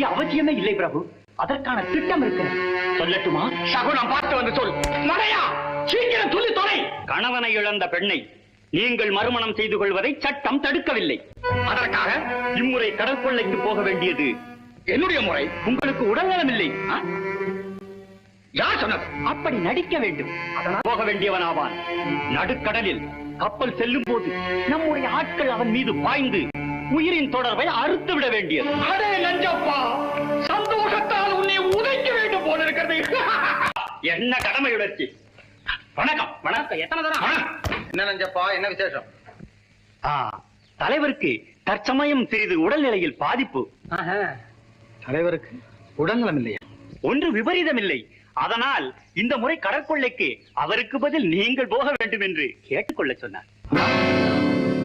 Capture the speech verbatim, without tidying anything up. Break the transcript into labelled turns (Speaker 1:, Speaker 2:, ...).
Speaker 1: அவசியமே இல்லை பிரபு. அதற்கான திட்டம் இருக்கிறது. சொல்லட்டுமா?
Speaker 2: சகுனம் பார்த்து வந்து சொல். மடையா, சீக்கிரம் சொல்லி தொலை.
Speaker 1: கணவனை இழந்த பெண்ணை நீங்கள் மறுமணம் செய்து கொள்வதை சட்டம் தடுக்கவில்லை.
Speaker 2: அதற்காக
Speaker 1: இம்முறை கடற்கொள்ளைக்கு போக வேண்டியது
Speaker 2: என்னுடைய முறை.
Speaker 1: உங்களுக்கு உடல்நலம் இல்லை.
Speaker 2: யார் சொன்னது?
Speaker 1: அப்படி நடிக்க வேண்டும். அதனால் போக வேண்டியவன் ஆவான். நடுக்கடலில் கப்பல் செல்லும் போது நம்முடைய ஆட்கள் அவன் மீது பாய்ந்து உயிரின் தொடர்பை அறுத்து விட வேண்டியது.
Speaker 2: அடே நஞ்சப்பா, சந்தோஷத்தால் உன்னை உதைக்க வேண்டும் போல இருக்கிறது.
Speaker 1: என்ன கடமை உணர்ச்சி. வணக்கம். வணக்கம். எத்தனை தரம்?
Speaker 2: என்ன நஞ்சப்பா, என்ன விசேஷம்?
Speaker 1: தலைவருக்கு தற்சமயம் சிறிது உடல்நிலையில் பாதிப்பு.
Speaker 2: தலைவருக்கு உடல்நலம் இல்லையா?
Speaker 1: ஒன்று விபரீதம் இல்லை. அதனால் இந்த முறை கடற்கொள்ளைக்கு அவருக்கு பதில் நீங்கள் போக வேண்டும் என்று கேட்டுக்கொள்ள சொன்னார்.